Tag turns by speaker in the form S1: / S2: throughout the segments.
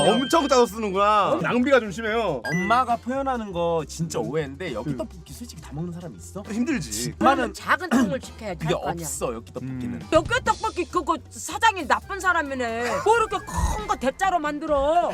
S1: 엄청 짜서 쓰는구나. 낭비가 좀 심해요.
S2: 엄마가 표현하는 거 진짜 오해인데 엽기 떡볶이 솔직히 다 먹는 사람이 있어?
S1: 힘들지.
S2: 엄마는
S3: 작은 통을 시켜야지.
S2: 그게
S3: 할 거 아니야.
S2: 없어 엽기 떡볶이는.
S3: 엽기 떡볶이 그거 사장이 나쁜 사람이네. 뭐 이렇게 큰 거 대짜로 만들어.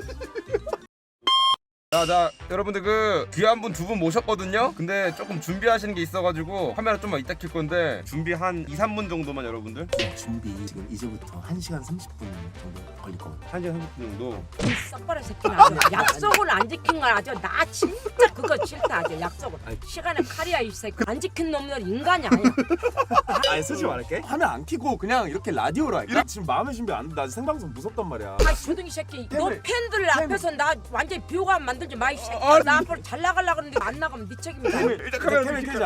S1: 자, 여러분들 그 귀한 분 두 분 모셨거든요. 근데 조금 준비하시는 게 있어가지고 카메라 좀만 이따 킬 건데 준비 한 2, 3분 정도만 여러분들.
S2: 준비 지금 이제부터 1시간 30분 정도 걸릴 거거든.
S1: 1시간 30분 정도.
S3: 이 썩버려 새끼는 아주 약속을 안 지킨 건 아주 나 진짜 그거 싫다 아주 약속을. 시간에 칼이야 이 새끼. 안 지킨 놈들 인간이 아니야.
S2: 아니 솔직히 말할게. 화면 안 켜고 그냥 이렇게 라디오로 할까? 지금 마음의 준비 안 돼. 나 생방송 무섭단 말이야.
S3: 아 조등이 새끼. 너 팬들 앞에서 나 완전히 비호감 만들지 마 이 새끼야. 나 앞으로 잘 나가려고 하는데 안 나가면 네 책임이다.
S1: 일단 카메라
S2: 켜자.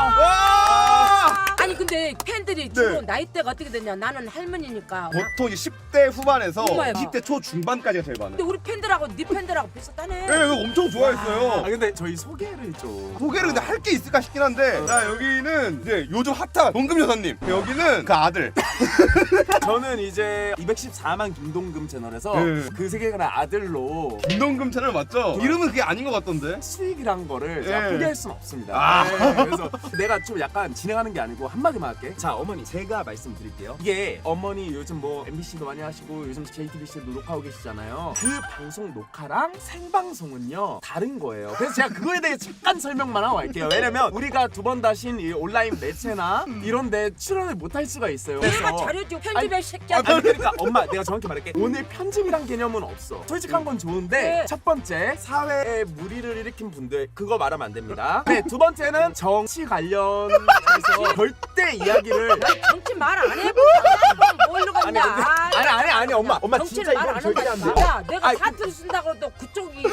S3: 아니 근데 팬들이 주로 나이대가 어떻게 되냐. 나는 할머니니까.
S1: 보통 이제 10대 후반에서
S3: 엄마야.
S1: 20대 초 중반까지가 제일 많아요.
S3: 근데 우리 팬들하고 네 팬들하고 비슷하네.
S1: 네, 이거 엄청 좋아했어요.
S2: 아 근데 저희 소개를 좀.
S1: 소개를 근데 할 게 있을까 싶긴 한데. 자, 여기는 이제 요즘 핫한 동금 여사님. 여기는 그 아들.
S2: 저는 이제 214만 김동금 채널에서
S1: 네.
S2: 그 세계관의 아들로
S1: 김동금 채널 맞죠? 이름은 그게 아닌 것 같던데.
S2: 수익이란 거를 제가
S1: 예.
S2: 포기할 수는 없습니다.
S1: 아.
S2: 네, 그래서 내가 좀 약간 진행하는 게 아니고 한마디만 할게. 자 어머니 제가 말씀드릴게요. 이게 어머니 요즘 뭐 MBC도 많이 하시고 요즘 JTBC도 녹화하고 계시잖아요. 그 방송 녹화랑 생방송은요 다른 거예요. 그래서 제가 그거에 대해 잠깐 설명만 하고 갈게요. 왜냐면 우리가 두 번 다신 이 온라인 매체나 이런데 출연을 못 할 수가 있어요.
S3: 내가 잘해줘 편집의 새끼야.
S2: 아니 그러니까 엄마 내가 정확히 말할게. 오늘 편집이란 개념은 없어. 솔직한 건 좋은데
S3: 네.
S2: 첫 번째 사회에 무리를 일으킨 분들 그거 말하면 안 됩니다. 네, 두 번째는 정치 관련해서 절대 이야기를
S3: 정치 말 안 해보자. 뭘로
S2: 아니
S3: 갔냐.
S2: 근데 아니 엄마 진짜
S3: 정치를 말
S2: 이건
S3: 안
S2: 절대 안
S3: 한다.
S2: 돼.
S3: 야 내가
S2: 아니,
S3: 사투리 쓴다고 또 그쪽이.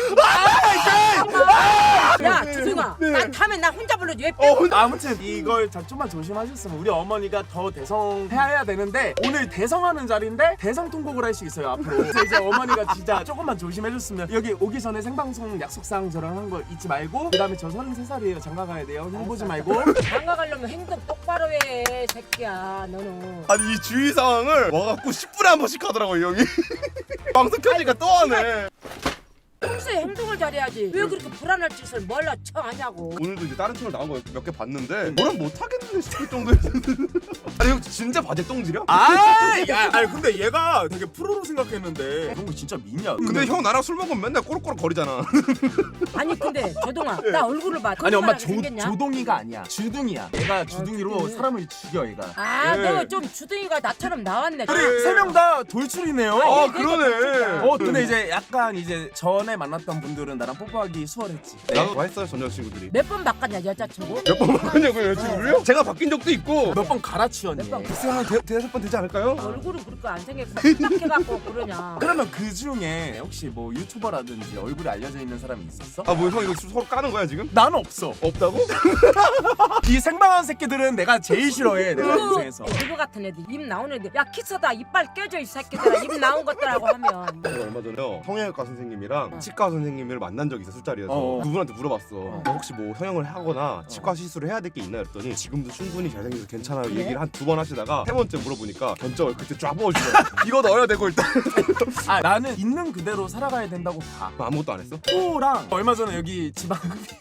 S3: 야 주승아. 난 다음에 나 혼자 불러줘. 왜 빼고.
S2: 아무튼 이걸 좀만 조심하셨으면 우리 어머니가 더 대성해야 되는데 오늘 대성하는 자리인데 대성 통곡을 할 수 있어요 앞으로. 그래서 이제 어머니가 진짜 조금만 조심해줬으면 여기 오기 전에 생방송 약속상 저랑 한 거 잊지 말고 그다음에 저 33살이에요 장가 가야 돼요 형 보지 말고.
S3: 장가 가려면 행동 똑바로 해 새끼야 너는.
S1: 아니 이 주위 상황을 와갖고 10분에 한 번씩 하더라고 이 형이. 방송 켜니까 또 하네.
S3: 평소에 행동을 잘해야지. 왜 그렇게 불안할 짓을 뭘로 쳐하냐고.
S1: 오늘도 이제 다른 채널 나온 거 몇 개 봤는데 뭐라 못하겠는데 싶을 정도였어. 아니 형 진짜 바지 똥지려?
S2: 아니 근데 얘가 되게 프로로 생각했는데 그런 거 진짜 믿냐?
S1: 근데 형 나랑 술 먹으면 맨날 꼬르꼬르 거리잖아.
S3: 아니 근데 조동아 나 얼굴을 봐.
S2: 아니 엄마
S3: 생겼냐?
S2: 조동이가 아니야 주둥이야. 얘가 주둥이로
S3: 주둥이.
S2: 사람을 죽여 얘가.
S3: 아,
S1: 네.
S3: 너 좀 주둥이가 나처럼 나왔네.
S2: 우리 세 명 다 돌출이네요.
S1: 아 그러네.
S2: 근데 이제 약간 이제 전에 만났던 분들은 나랑 뽀뽀하기 수월했지.
S1: 나도 좋아했어요 전 여자친구들이.
S3: 몇 번 바꿨냐 여자친구?
S1: 몇 번 바꾸냐고요 여자친구를요? 제가 바뀐 적도 있고.
S2: 몇 번 갈아치웠니?
S3: 몇 번?
S1: 글쎄 한 대여섯 번 되지 않을까요?
S3: 얼굴은 그렇게 안 생겼고 생각해갖고 그러냐.
S2: 그러면 그 중에 혹시 뭐 유튜버라든지 얼굴이 알려져 있는 사람이 있었어?
S1: 아 뭐 형 이거 서로 까는 거야 지금?
S2: 나는 없어.
S1: 없다고?
S2: 이 생방한 새끼들은 내가 제일 싫어해. 내가 인생에서.
S3: 그거 같은 애들 입 나오는 애들 야 키스다 이빨 깨져 이 새끼들아 입 나온 것들하고 하면.
S1: 제가 얼마 전에요 성형외과 선생님이랑 치과 선생님을 만난 적이 있어 술자리에서.
S2: 어.
S1: 그분한테 물어봤어. 너 혹시 뭐 성형을 하거나 치과 시술을 해야 될 게 있나 그랬더니 지금도 충분히 잘생겨서 괜찮아요
S3: 그래?
S1: 얘기를 한 두 번 하시다가 세 번째 물어보니까 견적을 그때 쫙 뽑아주더라고. 이거 넣어야 되고 일단.
S2: 아 나는 있는 그대로 살아가야 된다고 봐.
S1: 아무것도 안 했어?
S2: 또랑 얼마 전에 여기 지방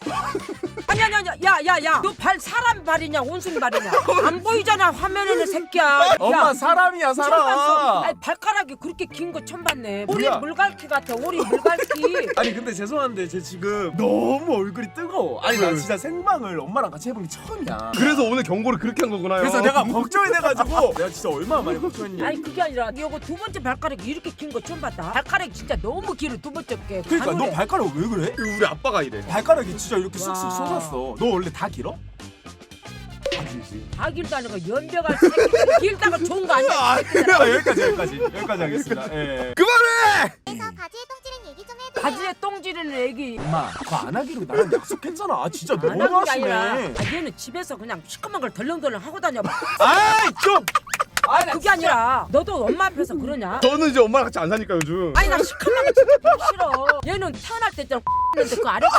S3: 아니 야야야 너 발 사람 발이냐 원숭이 발이냐 안 보이잖아 화면에는 새끼야.
S2: 엄마 사람이야
S3: 처음 봤어.
S2: 사람.
S3: 아니 발가락이 그렇게 긴 거 처음 봤네. 오리
S2: 뭐야?
S3: 물갈퀴 같아 오리 물갈퀴.
S2: 아니 근데 죄송한데 쟤 지금 너무 얼굴이 뜨거워. 아니 나 진짜 생방을 엄마랑 같이 해본 게 처음이야.
S1: 그래서 오늘 경고를 그렇게 한 거구나요.
S2: 그래서 내가 걱정이 돼가지고 내가 진짜 얼마나 많이 걱정했냐.
S3: 아니 그게 아니라 이거 두 번째 발가락이 이렇게 긴 거 처음 봤다. 발가락이 진짜 너무 길어 두 번째 게.
S2: 그러니까 너 발가락 왜 그래?
S1: 우리 아빠가 이래.
S2: 발가락이 진짜 이렇게 쑥쑥
S3: 와.
S2: 솟았어. 너 원래 다 길어?
S3: 다 길도 아니고 연병할 새끼 길다가 좋은 거 아니야.
S2: 아, 여기까지 하겠습니다. 예.
S1: 그만해!
S4: 그래서 바지에 똥지른 얘기 좀 해도
S3: 바지에 똥 지르는 애기.
S2: 엄마 그거 안 하기로 나랑 약속했잖아. 아 진짜
S3: 안
S2: 너무
S3: 하는 게 아니라
S2: 하시네.
S3: 얘는 집에서 그냥 시커먼 걸 덜렁덜렁 하고 다녀.
S2: 아이 좀. 아니,
S3: 그게 아니라 너도 엄마 앞에서 그러냐?
S1: 저는 이제 엄마랑 같이 안 사니까 요즘.
S3: 아니 나 시커먼 거 진짜 보기 싫어. 얘는 태어날 때 있잖아 했는데 그 아래가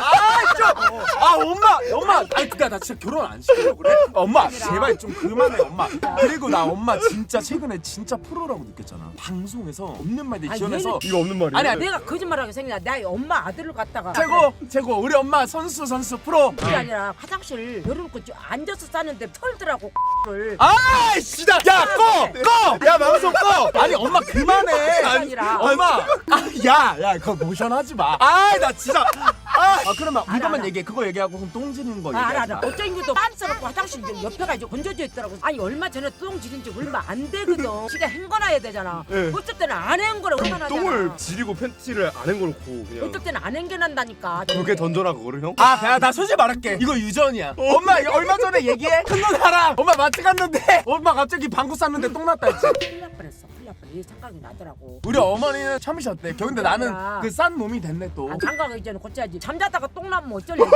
S2: 아 엄마 아니 그니까 나 진짜 결혼 안 시키려고 그래. 엄마 제발 좀 그만해 엄마. 그리고 나 엄마 진짜 최근에 진짜 프로라고 느꼈잖아. 방송에서 없는 말들
S3: 아니,
S2: 지어내서
S1: 이거 없는 말이야.
S2: 아니야,
S3: 내가 거짓말하게 생기냐? 나 엄마 아들을 갖다가
S2: 최고 우리 엄마 선수 프로.
S3: 그게 아니라 화장실 열어놓고 앉아서 싸는데 털더라고 를.
S2: 아이씨 야 꺼! 야 방송 꺼! 아니 엄마 그만해.
S3: 그게 아니라
S2: 엄마 야 그거 모션 하지 마. 나 진짜 그러면
S3: 알아,
S2: 이것만
S3: 알아.
S2: 얘기해. 그거 얘기하고 그럼 똥 지는 거
S3: 알아
S2: 얘기하지 마.
S3: 어쩐 이유도 빤스럽고 화장실 옆에가 이제 건져져 있더라고. 아니 얼마 전에 똥 지른 지 얼마 안 되거든. 지가 헹궈놔야 되잖아.
S1: 네.
S3: 어쩔 때는 안 헹궈라 얼마나
S1: 똥을 지리고 팬티를 안 헹궈놓고 그냥.
S3: 어쩔 때는 안 헹겨난다니까.
S1: 그렇게 던져라 그거를 형?
S2: 나 솔직히 말할게. 이거 유전이야. 엄마 이거 얼마 전에 얘기해. 큰 누나랑 엄마 마트 갔는데 엄마 갑자기 방구 쌌는데 똥 났다 했지.
S3: 큰일 날 뻔했어. 이 생각이 나더라고.
S2: 우리 어머니는 참으셨대. 근데 나는
S3: 아니라.
S2: 그 싼 놈이 됐네 또.
S3: 장가가기 전에 고쳐야지. 잠자다가 똥 나면 어쩌려고.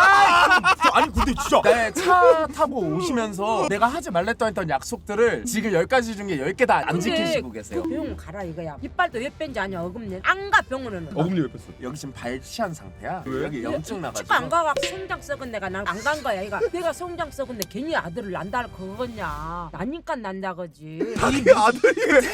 S2: 아니 근데 진짜 내 차 타고 오시면서 내가 하지 말랬던 했던 약속들을 지금 10가지 중에 10개 다 안 지키시고 계세요.
S3: 그 병원 가라 이거야. 이빨도 왜 뺀지 아냐 어금니. 안 가 병원에는.
S1: 어금니 왜 뺐어?
S2: 여기 지금 발치한 상태야.
S1: 왜?
S2: 여기 염증
S3: 치과 안
S2: 나가지고.
S3: 가가 성장 썩은 내가 난 안 간 거야. 이가 내가 성장 썩은 내 괜히 아들을 난다 그거냐. 나니까 난다 거지.
S1: 자기 아들이 왜?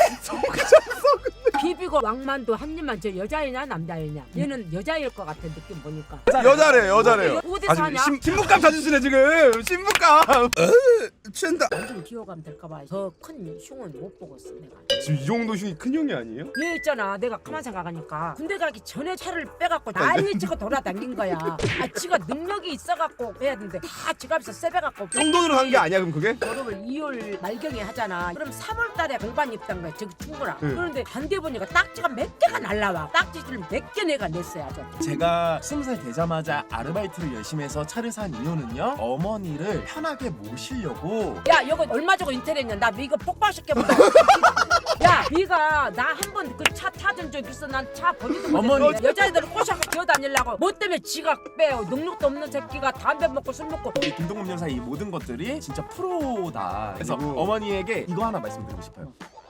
S3: 비비고 왕만도 한 입만 저 여자이냐 남자이냐. 얘는 여자일 것 같아 느낌 보니까.
S1: 여자래요.
S3: 어디 사냐?
S1: 신부감 찾으시네 지금. 신부감. 취한다.
S3: 완전 기호감 될까봐 더 큰 흉은 못 보고 있어 내가.
S1: 지금 이 정도 흉이 큰 형이 아니에요?
S3: 얘 있잖아 내가 가만 생각하니까 군대 가기 전에 차를 빼갖고 난리 치고 돌아다닌 거야. 지가 능력이 있어갖고 해야 되는데 다 지갑에서 세배갖고
S1: 형 돈으로 산 게 아니야 그럼 그게?
S3: 졸업을 2월 말경에 하잖아. 그럼 3월 달에 공반 입단 거야 저기 충고랑.
S1: 네.
S3: 그런데 반대 보니까 딱지가 몇 개가 날라와. 딱지를 몇 개 내가 냈어요 아주.
S2: 제가 20살 되자마자 아르바이트를 열심히 해서 차를 산 이유는요. 어머니를 편하게 모시려고.
S3: 야 이거 얼마 주고 인터넷이냐. 나 이거 폭발시켜본다. 야 네가 나 한 번 그 차 타준 적 있어. 난 차 버리도
S2: 어머니.
S3: 못했어. 여자애들을 꼬셔서 기어다니려고. 뭐 때문에 지가 빼요. 능력도 없는 새끼가 담배 먹고 술 먹고.
S2: 우리 김동금 여사 이 모든 것들이 진짜 프로다. 그래서
S1: 그리고-
S2: 어머니에게 이거 하나 말씀드리고 싶어요.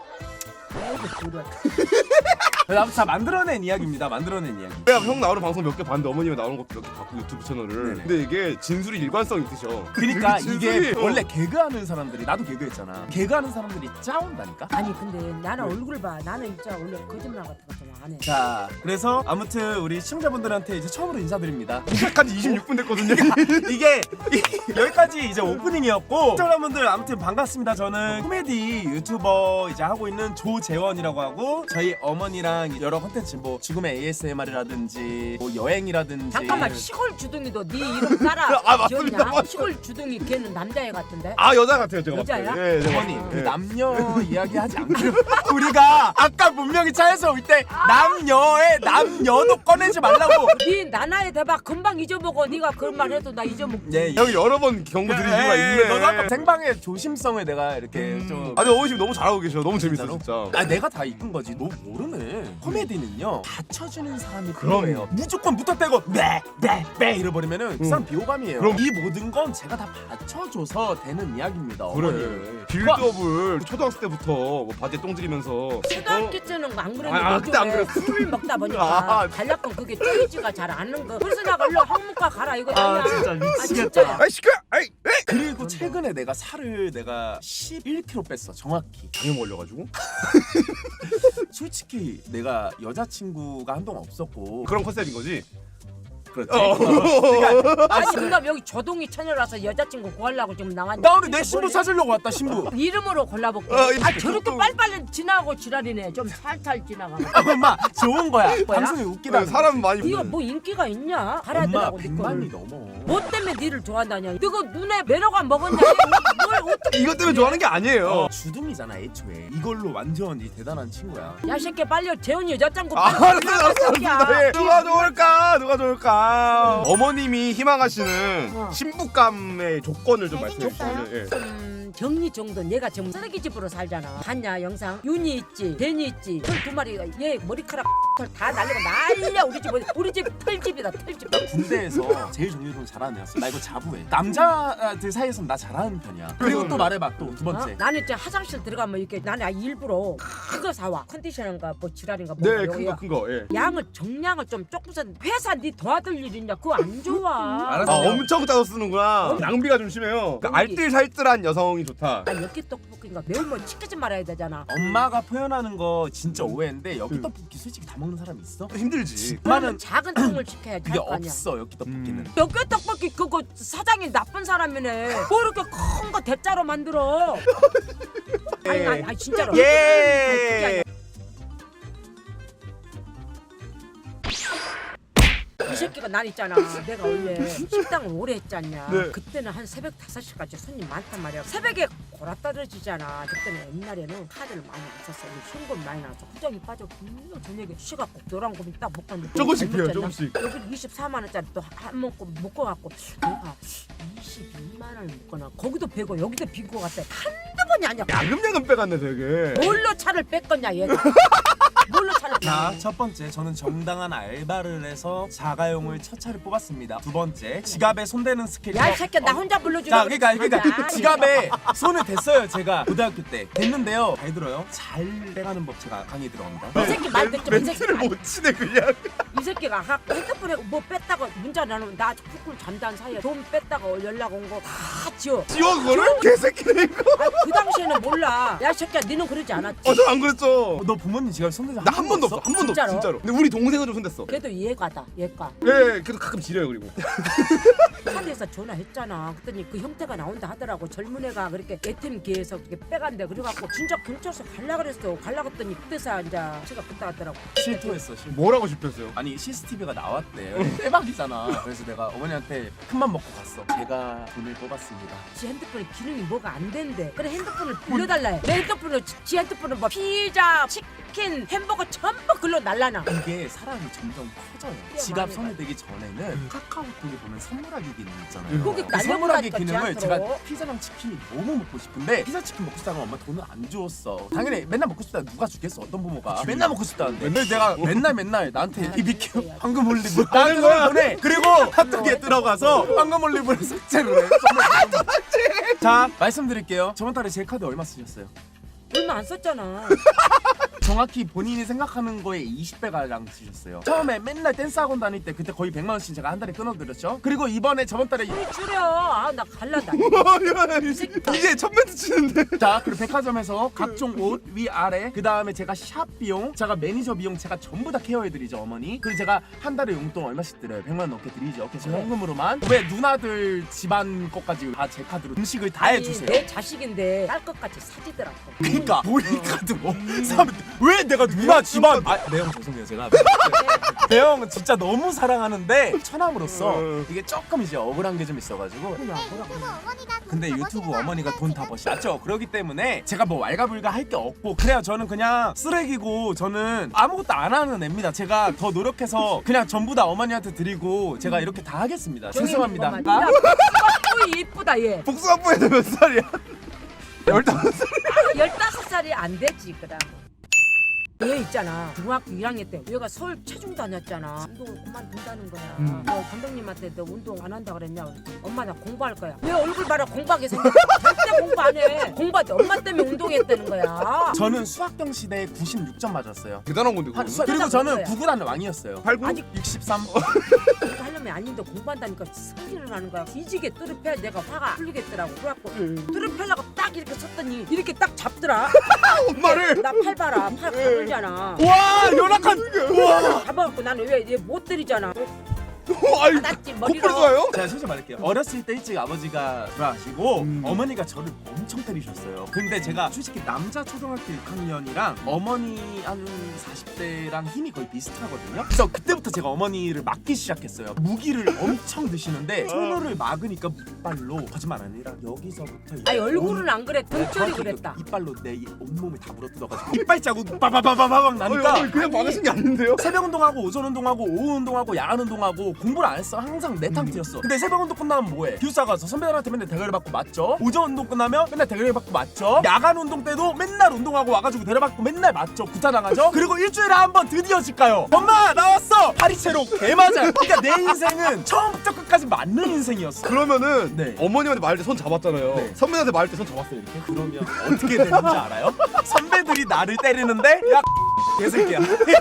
S3: 아이고 그래.
S2: 다 만들어낸 이야기입니다. 만들어낸 이야기.
S1: 내가 형 나오는 방송 몇 개 봤는데 어머님이 나오는 것도 몇 개 봤고 유튜브 채널을.
S2: 네네.
S1: 근데 이게 진술이 일관성 있으셔.
S2: 그러니까
S1: 진술이,
S2: 이게 원래 개그하는 사람들이 나도 개그했잖아. 개그하는 사람들이 짜온다니까.
S3: 아니 근데 나는 얼굴 봐. 나는 진짜 원래 거짓말 같은 거 좀 안 해.
S2: 자, 그래서 아무튼 우리 시청자분들한테 이제 처음으로 인사드립니다.
S1: 시작한 지 26분 됐거든요.
S2: 이게 여기까지 이제 오프닝이었고 시청자분들 아무튼 반갑습니다. 저는 코미디 유튜버 이제 하고 있는 조재원이라고 하고 저희 어머니랑 여러 컨텐츠 뭐 죽음의 ASMR이라든지 뭐 여행이라든지
S3: 잠깐만 시골 주둥이도 네 이름 따라
S1: 아, 맞습니다.
S3: 지었냐? 시골 주둥이 걔는 남자애 같은데.
S1: 아 여자 같아요 제가.
S3: 여자야?
S1: 봤을 때. 네, 제가
S2: 어머니
S1: 봤을
S2: 그
S1: 때.
S2: 남녀 이야기하지 않기로 우리가 아까 분명히 차에서 올 때 남녀도 꺼내지 말라고.
S3: 네 나나의 대박 금방 잊어먹어. 네가 그런 말 해도 나 잊어먹지.
S2: 예,
S1: 형이 여러 번 경고 드린 이유가 있네.
S2: 너도 아까 생방의 조심성을 내가 이렇게 좀
S1: 아니 어머님 너무 잘하고 계셔. 너무 재밌어
S2: 진짜로?
S1: 진짜.
S2: 내가 다 이끈 거지. 너 모르네. 코미디는요 받쳐주는 사람이
S1: 그럼요.
S2: 필요해요. 무조건 무턱대고 빼 이러버리면은 그 사람 비호감이에요.
S1: 그럼.
S2: 이 모든 건 제가 다 받쳐줘서 되는 이야기입니다.
S1: 그래.
S2: 어머니를.
S1: 빌드업을 초등학생 때부터 뭐 바지에 똥 들이면서
S3: 초등학교 때는 안 그랬는데
S1: 아, 그때 안 그랬어.
S3: 술 먹다 보니까
S1: 아.
S3: 간략한 그게 쪼이지가 잘 않는 거. 그래서 내가 일로 항문과 가라 이거 아니야.
S2: 진짜
S3: 아,
S2: 미치겠다.
S3: 진짜야.
S1: 아이 시끄러. 아이.
S2: 그리고 최근에 내가 살을 내가 11kg 뺐어 정확히.
S1: 장염 걸려가지고
S2: 솔직히 내가 여자친구가 한동안 없었고
S1: 그런 컨셉인 거지.
S2: 그렇지.
S1: 그러니까
S3: 아니 그럼 여기 조동이 처녀라서 여자친구 구하려고 지금 나왔냐?
S2: 나 근데 내 신부 찾으려고 왔다 신부.
S3: 이름으로 골라볼게.
S1: 이
S3: 저렇게
S1: 조동-
S3: 빨리빨리 지나고 지랄이네. 좀 살살 지나가.
S2: 엄마 좋은 거야. 방송이 웃기다.
S1: 사람 많이
S3: 네가
S1: 보는.
S3: 뭐 인기가 있냐? 가라
S2: 엄마
S3: 더라고
S2: 100만이 넘어.
S3: 뭐 때문에 니를 좋아한다냐? 너가 눈에 매너가 먹었냐? 뭘 어떻게?
S1: 이것 때문에 좋아하는 게 아니에요.
S2: 주둥이잖아 애초에. 이걸로 완전 이 대단한 친구야.
S3: 야 새끼 빨리 재훈이 여자친구
S1: 알았어. 예. 누가 좋을까? 누가 좋을까? 어머님이 희망하시는
S3: 어.
S1: 신부감의 조건을 좀 말씀해
S3: 잘생겼어요?
S1: 주시면. 예.
S3: 정리 정도 내가 지금 쓰레기 집으로 살잖아. 봤냐 영상? 윤이 있지, 댄이 있지. 털 두 마리 얘 머리카락 털 다 날리고 난리야. 우리 집 털집이다 털집.
S2: 군대에서 제일 정리를 잘하는 애였어. 나 이거 자부해. 남자들 사이에서는 나 잘하는 편이야. 그리고 또 말해봐 또 두 번째.
S3: 나는 이제 화장실 들어가면 이렇게 나는 일부러 그거 사와. 컨디셔너인가 뭐 지랄인가 뭐.
S1: 네, 큰 거. 예.
S3: 양을 정량을 좀 조금서 회사 네 도와줄 일 있냐? 그거 안 좋아.
S2: 알았어.
S1: 아, 엄청 짜서 쓰는구나. 낭비가 좀 심해요. 그 알뜰살뜰한 여성이 좋다.
S3: 아 엽기 떡볶이인가 매운면 시키지 말아야 되잖아.
S2: 엄마가 표현하는 거 진짜 오해인데 여기 떡볶이 솔직히 다 먹는 사람 있어?
S1: 힘들지.
S2: 엄마는
S3: 작은 통을 시켜야지.
S2: 그게
S3: 할 거 아니야.
S2: 없어 여기 떡볶이는.
S3: 엽기 떡볶이 그거 사장이 나쁜 사람이네. 뭐 이렇게 큰 거 대짜로 만들어. 아니 진짜로.
S1: 예.
S3: 이 새끼가 난 있잖아. 내가 원래 식당을 오래 했지 않냐.
S1: 네.
S3: 그때는 한 새벽 5시까지 손님 많단 말이야. 새벽에 골아 떨어지잖아. 그때는 옛날에는 카드를 많이 안 썼어. 현금 많이 나왔어. 후정이 빠져. 분명 저녁에 쉬갖고 노란 고기 딱 먹었는데
S1: 조금씩 비워요, 조금씩.
S3: 여기 24만 원짜리 또 한 먹고 먹어갖고 내가 22만 원을 먹거나 거기도 배고 여기도 비고 갔대. 한두 번이 아니야.
S1: 야금야금 빼갔네 되게.
S3: 뭘로 차를 뺐겠냐 얘가. 뭘로 차를
S2: 자,
S3: 뺐냐.
S2: 첫 번째 저는 정당한 알바를 해서 자가용을 첫 차를 뽑았습니다. 두 번째 지갑에 손대는 스케줄.
S3: 야이 새끼야 나 혼자 불러주려.
S2: 자, 그러니까 지갑에 손을 댔어요. 제가 고등학교 때 됐는데요. 잘 들어요. 잘 빼가는 법 제가 강의 들어갑니다.
S3: 이 새끼 말 듣지 마. 이 새끼
S1: 멘트를 못 치네 그냥.
S3: 이 새끼가 아까 핸드폰에 뭐 뺐다가 문자 나누면 나 푹 잠단 사이에 돈 뺐다가 연락 온 거 다 지워.
S1: 지워 그거를? 개새끼네 이거.
S3: 그 당시에는 몰라. 야 이 새끼야 니는 그러지 않았지.
S1: 저 안 그랬죠.
S2: 너 부모님 지갑에 손대지
S1: 나 한 번도 없어. 한 번도 없어
S3: 진짜로?
S1: 진짜로. 근데 우리 동생은 좀 손댔어.
S3: 걔도 얘가다 얘가.
S1: 예, 그래도 가끔 지려요 그리고.
S3: 카드에서 전화했잖아. 그랬더니 그 형태가 나온다 하더라고. 젊은 애가 그렇게 ATM 기에서 그렇게 빼간대. 그래갖고 진짜 경찰서 갈라 그랬어. 갈라 그랬더니 그때서 이제 제가 그때 갔더라고.
S2: 실토했어. 실토.
S1: 뭐라고 싶었어요?
S2: 아니 CCTV가 나왔대. 대박이잖아. 그래서 내가 어머니한테 큰맘 먹고 갔어. 제가 돈을 뽑았습니다.
S3: 지 핸드폰에 기능이 뭐가 안 된대. 그래 핸드폰을 빌려달라 해. 내 핸드폰을 지 핸드폰은 뭐 피자, 치킨, 햄버거 전부 글로 날라나.
S2: 이게 사람이 점점 커져요.
S3: 꽤
S2: 지갑
S3: 많이
S2: 손에 대기 전에는 카카오톡에 보면 선물하기 기능 있잖아요.
S3: 거기
S2: 그 선물하기
S3: 날려보라니까,
S2: 기능을
S3: 지한테로.
S2: 제가 피자랑 치킨이 너무 먹고 싶은데 피자 치킨 먹고 싶다면 엄마 돈을 안 줬어. 당연히 맨날 먹고 싶다 누가 주겠어. 어떤 부모가 맨날 먹고 싶다는데 근데 내가 맨날 나한테 BBQ 황금 올리브 나한테
S1: 거야?
S2: 보내. 그리고 핫도그에 들어가서 황금 올리브를 삭제를 해. 자 말씀드릴게요. 저번 달에 제 카드 얼마 쓰셨어요?
S3: 얼마 안 썼잖아.
S2: 정확히 본인이 생각하는 거에 20배가량 쓰셨어요. 처음에 맨날 댄스 학원 다닐 때 그때 거의 100만 원씩 제가 한 달에 끊어드렸죠. 그리고 이번에 저번 달에
S3: 이 줄여. 아 나 갈란다.
S1: 이제 첫 멘트 치는데.
S2: 자 그리고 백화점에서 각종 옷 위아래 그 다음에 제가 샵 비용 제가 매니저 비용 제가 전부 다 케어해드리죠 어머니. 그리고 제가 한 달에 용돈 얼마씩 드려요? 100만 원 넘게 드리죠. 그래서 현금으로만. 왜 누나들 집안 것까지 다 제 카드로 음식을 다 해주세요.
S3: 내 자식인데 딸 것 같이 사지더라고.
S2: 그러니까 보이카드로 사면 왜 내가 누나 집안 매형 죄송해요 제가 매형은 진짜 너무 사랑하는데 처남으로서 이게 조금 이제 억울한 게 좀 있어가지고
S3: 그냥 뭐라고.
S4: 유튜브 어머니가 돈
S2: 근데
S4: 다
S2: 유튜브
S4: 버시는
S2: 어머니가
S4: 거
S2: 돈 다
S4: 아니야?
S2: 버시죠. 그렇기 때문에 제가 뭐 왈가불가 할 게 없고 그래야 저는 그냥 쓰레기고 저는 아무것도 안 하는 애입니다. 제가 더 노력해서 그냥 전부 다 어머니한테 드리고 제가 이렇게 다 하겠습니다. 죄송합니다.
S3: 야, 이쁘다 얘.
S1: 복숭아뽀에도 몇 살이야? 15살.
S3: 15살이 안 되지 그럼. 얘 있잖아 중학교 1학년 때 얘가 서울 체중 다녔잖아. 운동을 그만둔다는 거야. 너 감독님한테 너 운동 안 한다 그랬냐 그랬더니 엄마 나 공부할 거야. 왜 얼굴 봐라 공부하게 생겼어. 절대 공부 안 해. 공부할 때 엄마 때문에 운동했다는 거야.
S2: 저는 수학경 시대에 96점 맞았어요.
S1: 대단한 건데 그거.
S2: 그리고 저는
S3: 거야.
S2: 구구단 왕이었어요.
S1: 89?
S3: 아직
S2: 63.
S3: 공부 하려면 아닌데 공부한다니까 성질을 하는 거야. 뒤지게 뚜르패 내가 화가 풀리겠더라고. 그래갖고 뚜르패려고 딱 이렇게 섰더니 이렇게 딱 잡더라.
S1: 엄마를.
S3: 나 팔 봐라. 팔 가늘잖아.
S2: 와 연락한. 와.
S3: 잡아갖고 나는 왜 얘 못 때리잖아.
S1: 아이
S3: 낫지
S1: 코뿔이
S3: 머리로.
S1: 좋아요?
S2: 제가 솔직히 말할게요. 어렸을 때 일찍 아버지가 돌아가시고
S1: 음.
S2: 어머니가 저를 엄청 때리셨어요. 근데 제가 솔직히 남자 초등학교 6학년이랑 어머니 한 40대랑 힘이 거의 비슷하거든요. 그래서 그때부터 제가 어머니를 맞기 시작했어요. 무기를 엄청 드시는데 손을 막으니까 이빨로 거짓말 아니라 여기서부터
S3: 아니 얼굴은 안 그래. 등줄이
S2: 정확히
S3: 그랬다.
S2: 그 이빨로 내 온몸을 다 물어뜯어가지고 이빨 자국 빠바바바바박 나니까
S1: 그냥 받으신 게 아닌데요?
S2: 새벽 운동하고 오전 운동하고 오후 운동하고 야간 운동하고 공부를 안 했어. 항상 내탕 뛰었어. 근데 새벽 운동 끝나면 뭐해? 기숙사 가서 선배들한테 맨날 대가리 받고 맞죠? 오전 운동 끝나면 맨날 대가리 받고 맞죠? 야간 운동 때도 맨날 운동하고 와가지고 대가리 받고 맨날 맞죠? 구타 당하죠? 그리고 일주일에 한 번 드디어 집 가요. 엄마 나왔어. 파리채로 개 맞아. 그러니까 내 인생은 처음부터 끝까지 맞는 인생이었어.
S1: 그러면은
S2: 네.
S1: 어머님한테 말할 때 손 잡았잖아요.
S2: 네.
S1: 선배한테 말할 때 손 잡았어요 이렇게?
S2: 그러면 어떻게 되는지 알아요? 선배들이 나를 때리는데 야 개새끼야.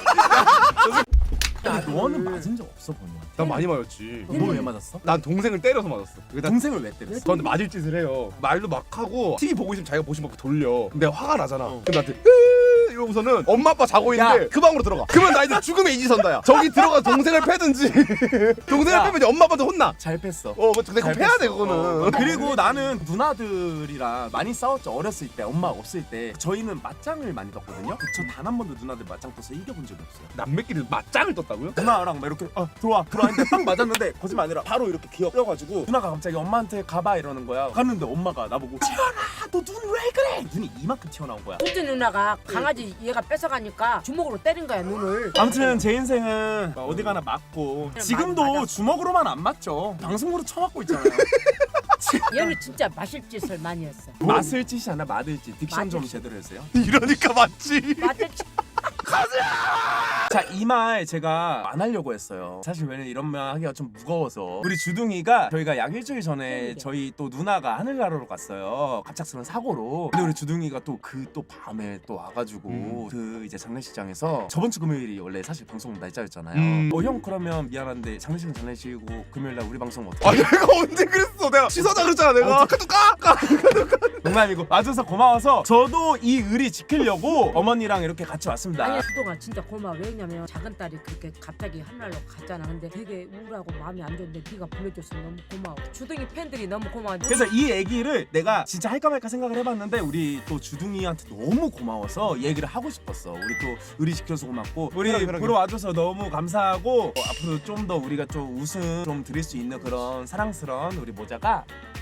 S2: 야, 너는 맞은 적 없어 번호야?
S1: 난 많이 맞았지.
S2: 너 왜 맞았어?
S1: 난 동생을 때려서 맞았어. 그러니까
S2: 동생을 왜 때렸어?
S1: 저한테 맞을 짓을 해요. 말도 막 하고 TV 보고 있으면 자기가 보시면 막 돌려. 근데 화가 나잖아.
S2: 어.
S1: 그럼 나한테 이러고서는 엄마 아빠 자고 있는데
S2: 야.
S1: 그 방으로 들어가. 그러면 나 이제 죽음의 이지선다야. 저기 들어가 동생을 패든지 동생을
S2: 야.
S1: 패면 이제 엄마 아빠한테 혼나.
S2: 잘 뺐어.
S1: 근데 그거 패야 돼 그거는.
S2: 그리고 나는 누나들이랑 많이 싸웠죠. 어렸을 때 엄마 없을 때 저희는 맞짱을 많이 떴거든요. 저 단 한 번도 누나들 맞짱 떠서 이겨본 적이 없어요.
S1: 남매끼리 맞짱을 떴다고요?
S2: 누나랑 막 이렇게 들어와 했는데 딱 맞았는데 거짓말 아니라 바로 이렇게 기어 껴가지고 누나가 갑자기 엄마한테 가봐 이러는 거야. 갔는데 엄마가 나보고 지현아 너 눈 왜 그래? 눈이 이만큼 튀어나온 거야.
S3: 둘째 누나가 강아지 얘가 뺏어가니까 주먹으로 때린 거야 눈을.
S2: 아무튼 제 인생은 어디 가나 맞고 지금도
S3: 맞았어.
S2: 주먹으로만 안 맞죠. 방송으로 쳐맞고 있잖아요.
S3: 얘는 진짜 마실 짓을 많이 했어.
S2: 맛을 짓이 아니라 맞을 짓. 딕션 좀
S3: 맞을 짓.
S2: 제대로 해주세요.
S1: 이러니까 맞지.
S3: 마실 짓.
S2: 자, 이 말 제가 안 하려고 했어요. 사실 왜냐면 이런 말 하기가 좀 무거워서. 우리 주둥이가 저희가 약 일주일 전에 저희 또 누나가 하늘나라로 갔어요. 갑작스러운 사고로. 근데 우리 주둥이가 또 또 밤에 또 와가지고 그 이제 장례식장에서 저번 주 금요일이 원래 사실 방송 날짜였잖아요. 형 그러면 미안한데 장례식은 장례식이고 금요일날 우리 방송 어떻게?
S1: 아 내가 언제 그랬어? 내가 취소하자 그랬잖아 내가. 카톡 까.
S2: 농담이고 와줘서 고마워서 저도 이 의리 지키려고 어머니랑 이렇게 같이 왔습니다.
S3: 아니 그동안 진짜 고마워. 왜냐면 작은 딸이 그렇게 갑자기 하늘로 갔잖아. 근데 되게 우울하고 마음이 안 좋은데 네가 불러줘서 너무 고마워. 주둥이 팬들이 너무 고마워.
S2: 그래서 이 얘기를 내가 진짜 할까 말까 생각을 해봤는데 우리 또 주둥이한테 너무 고마워서 얘기를 하고 싶었어. 우리 또 의리시켜서 고맙고 우리
S1: 편하게.
S2: 보러 와줘서 너무 감사하고 앞으로 좀 더 우리가 좀 웃음 좀 드릴 수 있는 그런 사랑스러운 우리 모자가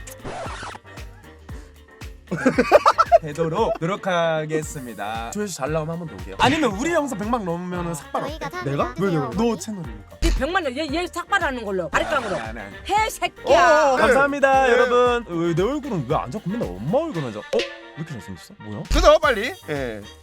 S2: 되도록 노력하겠습니다. 조회수 잘 나오면 한 번 더 올게요. 아니면 우리 영상 100만 넘으면 삭발 어때?
S4: 저희가 다
S1: 내가?
S4: 도와주세요,
S1: 왜?
S4: 어머니.
S2: 너 채널이니까.
S3: 네 100만 얘 삭발하는 걸로 바리깡으로
S2: 아니.
S3: 해 새끼야.
S1: 어,
S2: 감사합니다
S1: 네.
S2: 여러분. 내 얼굴은 왜 안 잡고 맨날 엄마 얼굴만 잡? 왜 이렇게 잘생겼어? 뭐야?
S1: 그죠 빨리. 예.